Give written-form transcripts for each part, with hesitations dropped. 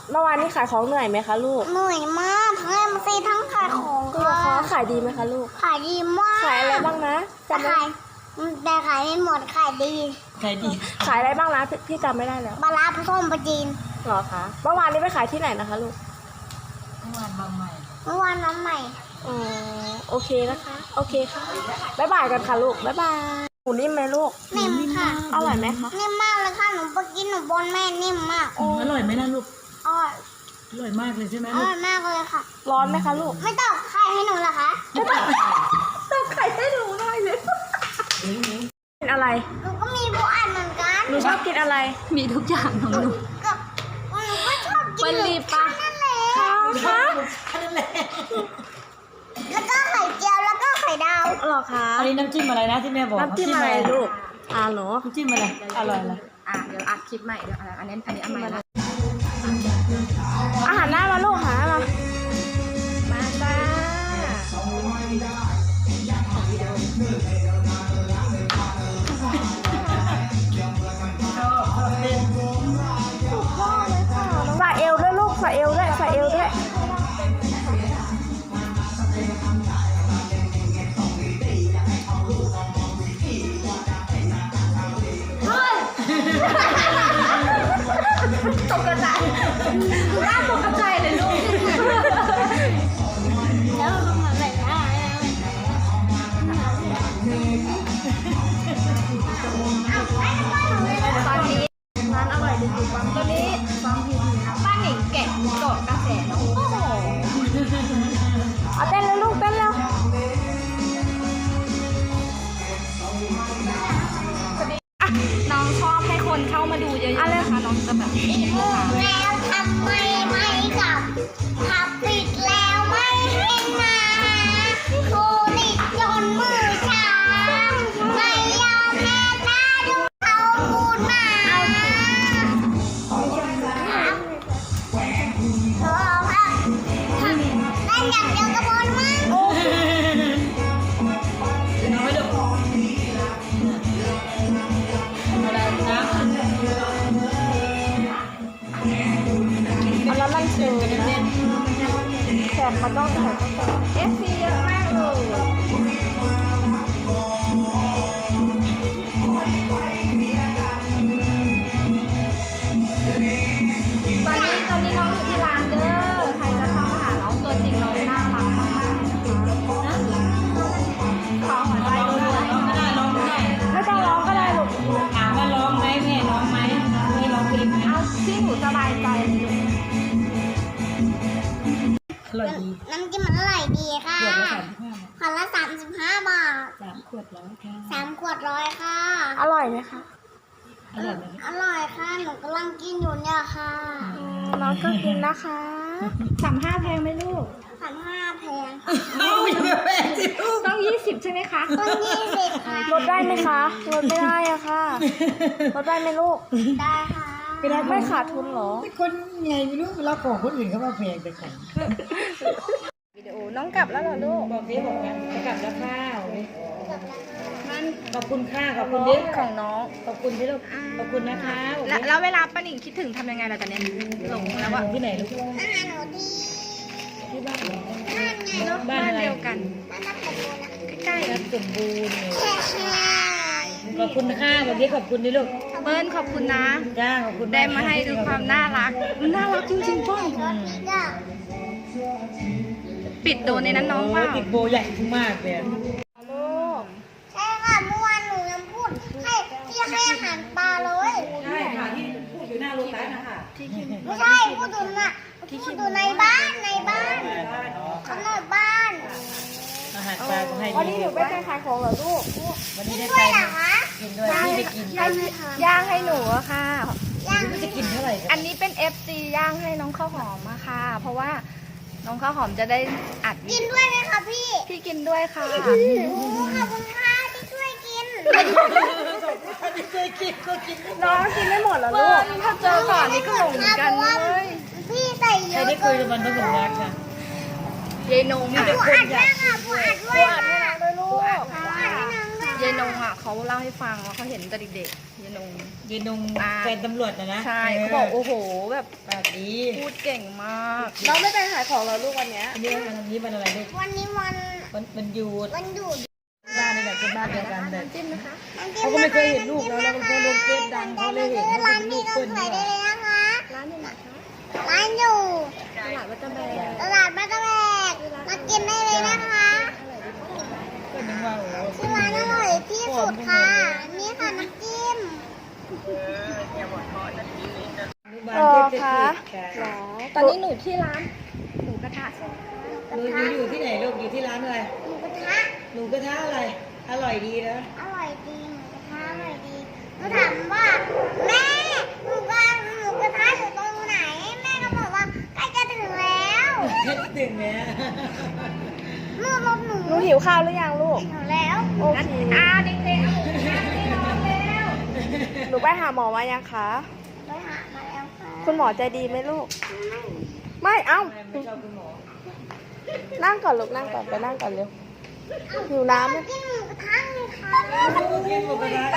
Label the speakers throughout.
Speaker 1: เมื่อวานนี้ขายของเหนื่อยไหมคะลูก
Speaker 2: เหนื่อยมากทั้งเอ็มซีทั้งขายของค่ะ
Speaker 1: ขายดีไหมคะลูก
Speaker 2: ขายดีมาก
Speaker 1: ขายอะไรบ้างนะ
Speaker 2: แต่ขายไม่หมดขายดี
Speaker 1: ขายอะไรบ้างนะพี่จำไม่ได้แล้ว
Speaker 2: ปลาร้าส้มปลาจีน
Speaker 1: หรอคะเมื่อวานนี้ไปขายที่ไหนนะคะลูก
Speaker 2: เมื่อวานน้ำใหม่
Speaker 1: อ๋อโอเคนะคะโอเคค่ะบ๊ายบายกันค่ะลูกบ๊ายบายหมูนิ่มไหมลูก
Speaker 2: นิ่มค่ะ
Speaker 1: อร่อยไหมคะ
Speaker 2: นิ่มมากเลยค่ะหนูไปกินหนูบนแม่นิ่มมาก
Speaker 3: อร่อยไหมนะลูก
Speaker 2: อ
Speaker 3: ร่อยมากเลยใช่ไหม
Speaker 2: อร่อยมากเลยค่ะ
Speaker 1: ร้อนไหมคะลูก
Speaker 2: ไม่ต้องไข่ให้หนูเหรอคะ
Speaker 1: ไม่ต้องไข่ให้หนูหน่อยเลยกินอะไร
Speaker 2: หนูก็มีผู้อ่านเหมือนกัน
Speaker 1: หนูชอบกินอะไร
Speaker 3: มีทุกอย่างของหนู
Speaker 2: กับหนูก็ชอบกิน
Speaker 1: รีบปะ
Speaker 2: นั่นแหละ
Speaker 1: ค่ะ
Speaker 3: นั่นแหละ
Speaker 2: แล้วก็ไข่เจียวแล้วก็ไข่ดาว
Speaker 1: หรอคะ
Speaker 3: อันนี้น้ำจิ้มอะไรนะที่แม่บอก
Speaker 1: น้ำจิ้มอะไรลูกเหรอ
Speaker 3: น้ำจิ้มอะไรอร่อยเลย
Speaker 4: เดี๋ยวอัดคลิปใหม่เดี๋ยวอันนี้อันใหม่ละ
Speaker 1: อาหารหน้ามาลูกหามาจ้าใส่เอวด้วยลูกใส่เอวด้วยใส่เอวด้วย
Speaker 4: ตกกระจายน่าตกกระจายเลยลูก
Speaker 2: แล้วทำอะไรได้
Speaker 4: ตอนนี้ร้านอร่อยดีๆตอนนี้ฟังพีป้าหนิงแกะกดกระแสน้องโอ้โห
Speaker 1: เต้นแล้วลูกเต้นแล้ว
Speaker 4: น้องชอบให้คนเข้ามาดูเยอะๆนะคะน้องจะแบบ
Speaker 2: แล้วทำไมไม่กลับถ้าปิดแล้วไม่ให้มาโคลิดจนมือชาไม่ยอมแม่ตาดูเขาพูดมาเล่นอย่างเดียวก็บนมั้ง
Speaker 3: น้อยลูกอะไรนะ
Speaker 1: เอาแล้วมันเชิญนะแขกเขาต้องถ่าย
Speaker 4: FC เยอะมากเลยตอนนี้น้องอยู่ที่ร้านเด้อใครจะเข้ามาหาน้องตัวจริงน้องน่ารักมากขอหัวใจด้วย
Speaker 3: ไม่ได้ร้องไม่ได้
Speaker 1: ไม่ต้องร้องก็ได้ลูก
Speaker 3: ถามว่าร้องไหมแม่ร้องไหมไม่ร้องเพลงไหม
Speaker 4: เอาที่หนูสบายใจ
Speaker 3: อร่อยดี
Speaker 2: น้ำจิ้มมันอร่อยดีค่ะ
Speaker 3: ขวดละ
Speaker 2: ขวดละ35 บาท
Speaker 3: 3 ขวด100ค่ะ
Speaker 2: 3 ขวด100ค่ะ
Speaker 1: อร่อยไหมคะ
Speaker 3: อร่อยไหม
Speaker 2: อร่อยค่ะหนูกำลังกินอยู่เนี่ยค่ะ
Speaker 1: น้องก็กินนะคะ
Speaker 4: 35แพงไหมลูก
Speaker 2: 35แพง
Speaker 3: อย่าแพงสิลูก
Speaker 4: ต้อง20ใช่ไหมคะ
Speaker 2: ต้อง20ค่ะ
Speaker 1: ลดได้ไหมคะลดไม่ได้อะค่ะลดได้ไหมลูก
Speaker 2: ได้ค่ะ
Speaker 1: ไม่ขาดทุนหรอ
Speaker 3: คนไงไม่รู้เราของคนอื่นเขามาแพงแต่ของ
Speaker 4: วิดีโอน้องกลับแล้วเหรอลูก
Speaker 3: บอกดิบอกกันกลับแล้วข้าวขอบคุณค่ะขอบคุณดิ
Speaker 4: ของน้อง
Speaker 3: ขอบคุณที่ลูกขอบคุณนะคะ
Speaker 4: แล้วเวลาป้าหนิงคิดถึงทำยังไงล่ะตอนนี้หลงแล้วอะ
Speaker 3: ที่ไหนลูก
Speaker 2: หนูดี
Speaker 3: ที่บ้าน
Speaker 4: บ้านเดียวกันใกล้ๆ
Speaker 3: รับสมบูรณ์ขอบคุณค่ะวันนี้ขอบคุณดิลูก
Speaker 4: เบิ้ลขอบคุณนะ
Speaker 3: จ้าขอบคุณ
Speaker 4: ได้มาให้ดูความน่ารักมันน่ารักจริงๆป้องปิดโดนในนั้นน้องว่า
Speaker 3: ติดโบใหญ่มากเลย
Speaker 1: ลูก
Speaker 2: ใช่ค่ะเมื่อวานหนูยังพูดให้ที่ให้อาหารปลาเลย
Speaker 3: ใช่ค่ะที่พูดอยู่หน้าโลตัสนะคะ
Speaker 2: ไม่ใช่พูดอยู่ในบ้านข้างในบ้าน
Speaker 3: อาหารปลาก็ให้
Speaker 1: วันนี้หนูไปขายของเหรอลูก
Speaker 3: วันนี้ได้
Speaker 2: ด้
Speaker 3: ไป
Speaker 2: วยเหรอคะ
Speaker 3: กินด้วยที่ไปกิน
Speaker 4: ย่างให้หนูอะค่ะ
Speaker 3: ไม่จะกินเท่าไหร่
Speaker 4: อันนี้เป็น FC ย่างให้น้องข้าวหอมอะค่ะเพราะว่าน้องข้าวหอมจะได้อัด
Speaker 2: กินด้วยไหมคะพี่
Speaker 4: กินด้วยค่ะ
Speaker 2: ขอบคุณค่ะที่ช่วยกิน
Speaker 1: น้องกินไม่หมดเหรอลูก
Speaker 4: ถ้าเจอก่อนนี่ก็หลงเหมือนกันเลย
Speaker 2: พี่ใส่เยอะ
Speaker 3: ใครได้คุยกับมันต้องหลงรักค่ะ
Speaker 4: ยายนง
Speaker 2: อ่ะผู้อัดด้วยค่ะผู้อัดด้วยค่ะ
Speaker 1: ด้วยลูก
Speaker 4: ยายนงอ่ะเขาเล่าให้ฟังว่าเขาเห็นแต่เด็กๆนง
Speaker 3: ยืนนงแฟนตำรวจนะ
Speaker 4: ใช่เขาบอกโอ้โหแบบ
Speaker 3: ปากดี
Speaker 4: พูดเก่งมาก
Speaker 1: เราไม่ไปขายของเราลูกวันเนี้ย
Speaker 3: อันนี้วันอะไรลูก
Speaker 2: วันนี้วัน
Speaker 3: มันหยุด
Speaker 2: วันหยุด
Speaker 3: บ้านนี่แหละเป็นบ้านเดียวกันแต่
Speaker 1: จิ้มนะคะ
Speaker 3: เขาก็ไม่เคยเห็นลูกแล้วแล้วก็ลงเฟซดังเขาเลยเห็นเขา
Speaker 2: ร้า
Speaker 3: เป็น นลู
Speaker 2: พี่
Speaker 3: ก
Speaker 2: น้อ
Speaker 3: เปิ้
Speaker 2: ง
Speaker 3: ล
Speaker 2: ใส่
Speaker 3: นี่
Speaker 2: ได้
Speaker 3: หว่า
Speaker 2: เลยนะคะ
Speaker 1: ร้านอยู่ไหนคะ
Speaker 2: ร้านอยู่
Speaker 1: ตลาดวัดตะแบก
Speaker 2: ตลาดบ้านตะแบกมากินได้เลยนะคะ
Speaker 3: ก็นึกว่าโอ้โห
Speaker 2: ที่ร้านอร่อยที่สุดค่ะ นี่ค่ะน้ำจิ้ม
Speaker 3: อนุบาล
Speaker 1: รอ
Speaker 3: เทพ
Speaker 1: คะ
Speaker 3: เทพ
Speaker 1: หรอตอนนี้หนูที่ร้านหมูกระทะใช่ไหมคะ
Speaker 3: หนูอยู่ที่ไหนลูกอยู่ที่ร้านอะไร
Speaker 2: หมูกระทะ
Speaker 3: หนูกระทะอะไร อร่อยดีนะ
Speaker 2: อร่อยดีหมูกระทะอร่อยดีหนูถามว่าแม่หมูกระทะอยู่ตรงไหน แม่ก็บอกว่าใกล้จะถึงแล้ว
Speaker 3: ถึงแล้ว
Speaker 2: นู่นรถหนู
Speaker 1: หนูหิวข้าวหรือยังลูก
Speaker 2: ถึงแล้ว
Speaker 1: โอเค
Speaker 2: เด็กๆเอาหมูกระทะที่นอนแล้ว
Speaker 1: หนูไปหาหมอมายังคะ
Speaker 2: ไปหามาแล้วค่ะ
Speaker 1: คุณหมอใจดีไหมลูก ไม่เอ้า
Speaker 3: ไม่ชอบคุณหมอ
Speaker 1: นั่งก่อนลูกนั่งก่อนไปนั่งก่อนเร็วหิวน้ำไหม
Speaker 2: กินหมูกระทะเลยค่ะ
Speaker 3: กินหมูกระทะ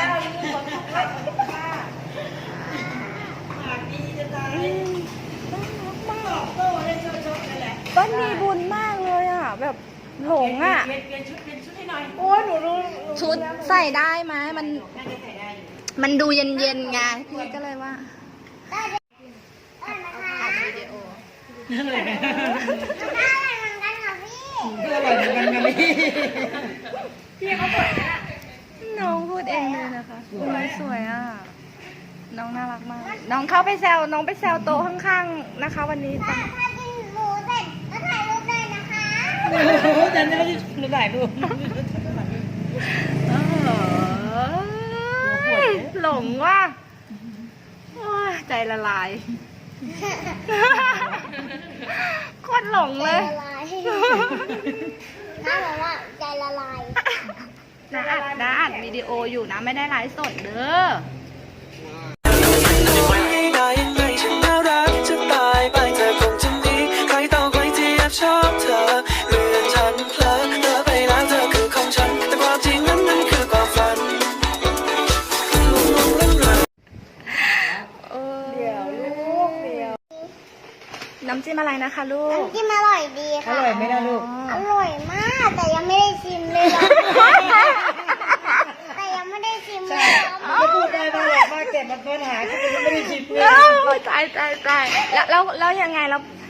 Speaker 3: ปากดีจะตายตอบโต้ได้ชอบๆนั่นแหละ
Speaker 1: ต้นมีบุญมากเลยอ่ะ แบบหลงอ่ะ
Speaker 3: เปลี่ยนชุดให้หน่อย
Speaker 1: โอ้ยหนูรู้
Speaker 4: ชุดใส่ได้ไหมมัน
Speaker 3: น่าจะใส่ได้อยู่
Speaker 4: มันดูเย็นๆไงพี่ก็เลยว่า
Speaker 2: ได้นะคะ
Speaker 4: อัดวิดีโอ
Speaker 3: นั่นเลย
Speaker 2: ได้เหมือนกันค่ะพี่
Speaker 3: ก็อร่อยเหมือนกันนะนี่
Speaker 4: น้องพูดเองเลยนะคะน้องสวยอ่ะ น้องน่ารักมาก น้องเข้าไปแซวน้องไปแซวโต๊ะข้างๆนะคะ วันนี้
Speaker 2: ถ้ากินหมูเสร็จก็ถ่ายรูปได้นะคะ
Speaker 3: โอ้โหฉันไม่ได้หนูถ่ายรูป
Speaker 4: หลงว่ะโอ้ยใจละลายโคตรหลง
Speaker 2: ใจ
Speaker 4: เลย
Speaker 2: ละลายน่าบอกว่าใจละลาย
Speaker 4: นะอัดวิดีโออยู่นะไม่ได้ไลฟ์สดเด้อ
Speaker 5: ได้ยังไงฉันน่ารักจะตายไปเธอคงจะมีใครต่อใครที่แอบชอบเธอเมื่อฉันเพลอเธอไปแล้วเธอคือของฉันแต่ความจริงนั้นมันคือความฝัน
Speaker 1: เดี๋ยวลูกเดี๋ยว
Speaker 4: น้ำจิ้มอะไรนะคะลูก
Speaker 2: น้ำจิ้มอร่อยดี
Speaker 3: อ
Speaker 2: ค่ะ
Speaker 3: ร่อยไหมล่ะลูก
Speaker 2: อร่อยมากแต่ยังไม่ได้ชิมเลยอะแต่ยังไม่ได้ชิมเลย
Speaker 3: ก็พูดได้บ้างแหละว่าเก็บมาค้นหาก็ยังไม่ได้ชิมเลย
Speaker 4: ตายแล้วยังไงแล้ว